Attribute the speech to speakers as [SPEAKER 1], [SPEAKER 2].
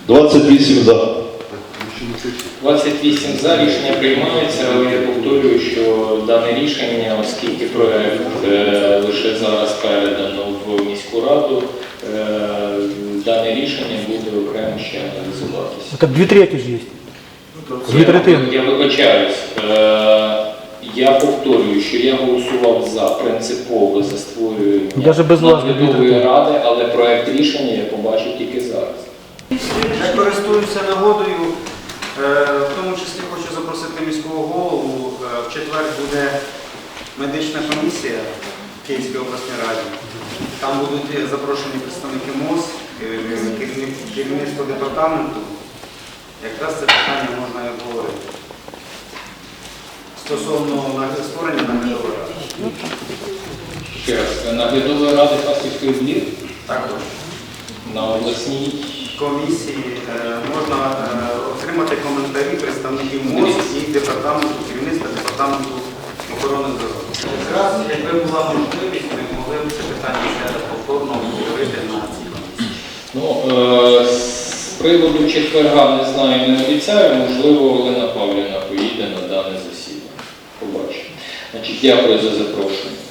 [SPEAKER 1] 28 за.
[SPEAKER 2] 28 за, рішення приймається, але я повторюю, що дане рішення, оскільки проект лише зараз передано в міську раду, дане рішення буде окремо ще аналізуватися.
[SPEAKER 3] Так 2/3 ж є.
[SPEAKER 2] Я вибачаюсь. Я повторюю, що я голосував за принципове за створювання
[SPEAKER 3] Даже без вас
[SPEAKER 2] наглядової ради, але проект рішення я побачив тільки зараз.
[SPEAKER 4] Я користуюся нагодою, в тому числі хочу запросити міського голову. В четвер буде медична комісія в Київській обласній раді. Там будуть запрошені представники МОЗ, керівництво департаменту. Якраз це питання можна і обговорити. Стосовно створення наглядової ради.
[SPEAKER 2] Ще раз, наглядової ради Фастівської БЛІР
[SPEAKER 4] Також.
[SPEAKER 2] на обласній
[SPEAKER 4] Комісії можна отримати коментарі представників МОЗ і департаменту, керівництва департаменту охорони здоров'я. Якраз, якби була можливість, ми могли б це питання ще раз повторно обговорити на цій комісії.
[SPEAKER 2] Ну, з приводу четверга не знаю, не обіцяю, можливо, Олена Павлівна поїде на дане засідання. Побачимо. Значить, дякую за запрошення.